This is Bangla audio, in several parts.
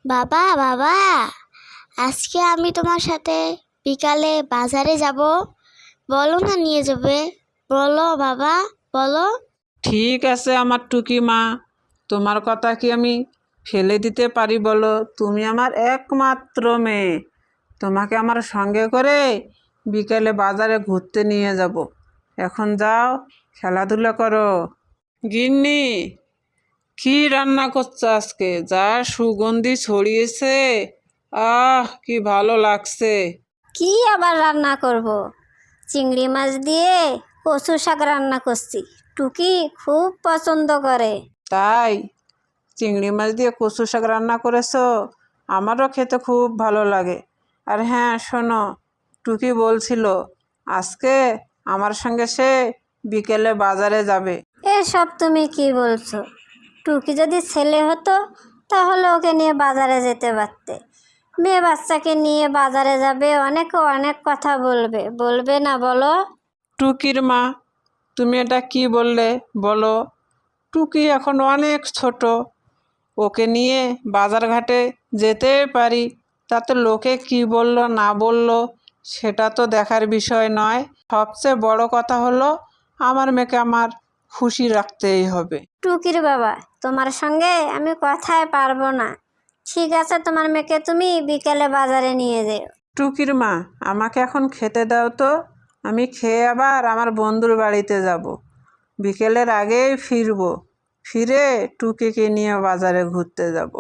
বাবা বাবা, আজকে আমি তোমার সাথে বিকালে বাজারে যাব। বলো না নিয়ে যাবে? বলো বাবা, বলো। ঠিক আছে আমার টুকি মা, তোমার কথা কি আমি ফেলে দিতে পারি বলো? তুমি আমার একমাত্র মেয়ে, তোমাকে আমার সঙ্গে করে বিকেলে বাজারে ঘুরতে নিয়ে যাব। এখন যাও, খেলাধুলা করো। গিন্নি, কি রান্না করছো আজকে? যা সুগন্ধি ছড়িয়েছে, কি ভালো লাগছে। কি আবার রান্না করব? চিংড়ি মাছ দিয়ে কচু শাক রান্না করছি। টুকি খুব পছন্দ করে। তাই চিংড়ি মাছ দিয়ে কচু শাক রান্না করেছো? আমারও খেতে খুব ভালো লাগে। আর হ্যাঁ শোনো, টুকি বলছিল আজকে আমার সঙ্গে সে বিকেলে বাজারে যাবে। এসব তুমি কি বলছো? টুকি যদি ছেলে হতো তাহলে ওকে নিয়ে বাজারে যেতে পারতে। মেয়ে বাচ্চাকে নিয়ে বাজারে যাবে, অনেকে অনেক কথা বলবে, বলবে না বলো? টুকির মা, তুমি এটা কি বললে বলো? টুকি এখন অনেক ছোট, ওকে নিয়ে বাজার ঘাটে যেতে পারি, তাতে লোকে কি বলল না বলল সেটা তো দেখার বিষয় নয়। সবচেয়ে বড় কথা হলো আমার মেয়েকে আমার খুশি রাখতেই হবে। টুকির বাবা, তোমার সঙ্গে আমি কথায় পারবো না। ঠিক আছে, তোমার মেয়েকে তুমি বিকেলে বাজারে নিয়ে যেও। টুকির মা, আমাকে এখন খেতে দাও তো, আমি খেয়ে আবার আমার বন্ধুর বাড়িতে যাব। বিকেলের আগেই ফিরবো, ফিরে টুকিকে নিয়ে বাজারে ঘুরতে যাব।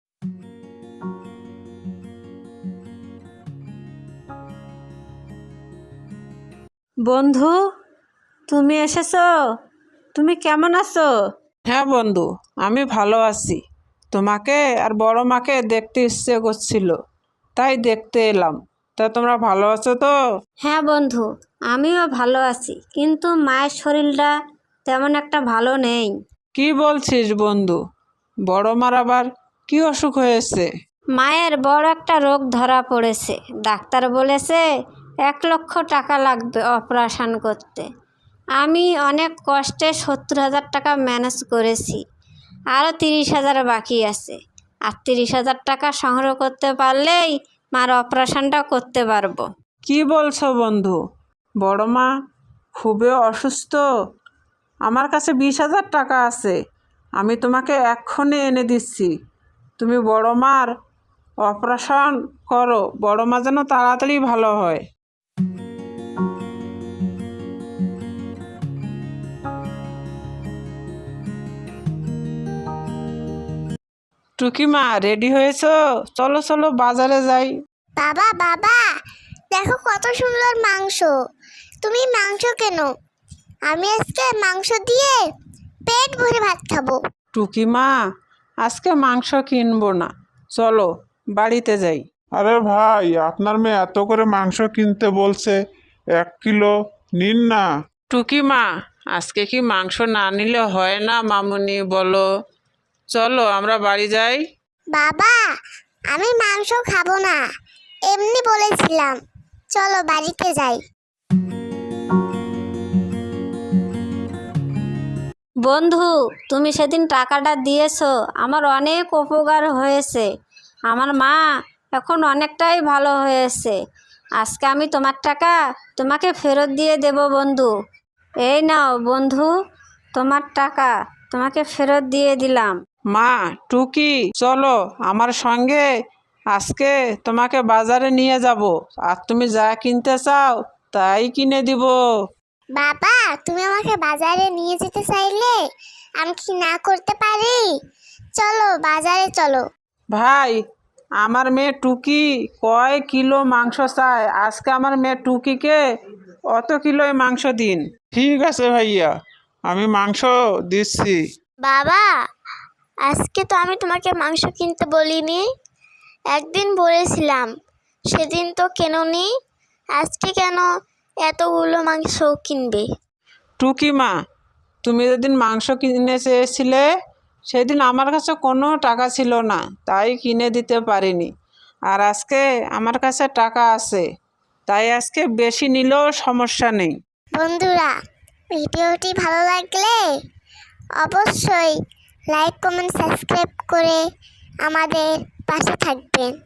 বন্ধু, তুমি এসেছো? তুমি কেমন আছো? হ্যাঁ বন্ধু, আমি ভালো আছি। তোমাকে আর বড় মাকে দেখতে ইচ্ছে করছিল, তাই দেখতে এলাম। তা তোমরা ভালো আছো তো? হ্যাঁ বন্ধু, আমিও ভালো আছি, কিন্তু মায়ের শরীরটা তেমন একটা ভালো নেই। কি বলছিস বন্ধু? বড় মার আবার কি অসুখ হয়েছে? মায়ের বড় একটা রোগ ধরা পড়েছে। ডাক্তার বলেছে 1 লক্ষ টাকা লাগবে অপারেশন করতে। আমি অনেক কষ্টে 70,000 টাকা ম্যানেজ করেছি, আরও 30,000 বাকি আছে। আর 30,000 টাকা সংগ্রহ করতে পারলেই মার অপারেশনটা করতে পারবো। কি বলছো বন্ধু? বড় মা খুবই অসুস্থ? আমার কাছে 20,000 টাকা আছে, আমি তোমাকে এক্ষুনি এনে দিচ্ছি। তুমি বড় মার অপারেশন করো, বড় মা যেন তাড়াতাড়ি ভালো হয়। টুকিমা, রেডি হয়েছো? চলো চলো বাজারে যাই। বাবা বাবা, দেখো কত সুন্দর মাংস। তুমি মাংস কেন? আমি আজকে মাংস দিয়ে পেট ভরে ভাত খাবো। টুকিমা, আজকে মাংস কিনবো না, চলো বাড়িতে যাই। আরে ভাই, আপনার মেয়ে এত করে মাংস কিনতে বলছে, 1 কিলো নিন না। টুকিমা, আজকে কি মাংস না নিলে হয় না মামুনি বলো? চলো আমরা বাড়ি যাই। বাবা, আমি মাংস খাবো না, এমনি বলেছিলাম। চলো বাড়িতে যাই। বন্ধু, তুমি সেদিন টাকাটা দিয়েছো, আমার অনেক উপকার হয়েছে। আমার মা এখন অনেকটাই ভালো হয়েছে। আজকে আমি তোমার টাকা তোমাকে ফেরত দিয়ে দেব বন্ধু। এই নাও বন্ধু, তোমার টাকা তোমাকে ফেরত দিয়ে দিলাম। মা, টুকি, চলো আমার সঙ্গে, আজকে তোমাকে বাজারে নিয়ে যাব, আর তুমি যা কিনতে চাও তাই কিনে দিব। বাবা, তুমি আমাকে বাজারে নিয়ে যেতে চাইলে আমি কি না করতে পারি? চলো বাজারে চলো। ভাই, আমার মেয়ে টুকি কয় কিলো মাংস চায়? আজকে আমার মেয়ে টুকিকে অত কিলোই মাংস দিন। ঠিক আছে ভাইয়া, আমি মাংস দিচ্ছি। বাবা, আজকে তো আমি তোমাকে মাংস কিনতে বলিনি, একদিন বলেছিলাম, সেদিন তো কেননি। আজকে কেন এতগুলো মাংস কিনবে? টুকিমা, তুমি যেদিন মাংস কিনে চেয়েছিলে সেদিন আমার কাছে কোনো টাকা ছিল না, তাই কিনে দিতে পারিনি। আর আজকে আমার কাছে টাকা আছে, তাই আজকে বেশি নিলেও সমস্যা নেই। বন্ধুরা, ভিডিওটি ভালো লাগলে অবশ্যই লাইক কমেন্ট সাবস্ক্রাইব করে আমাদের পাশে থাকবেন।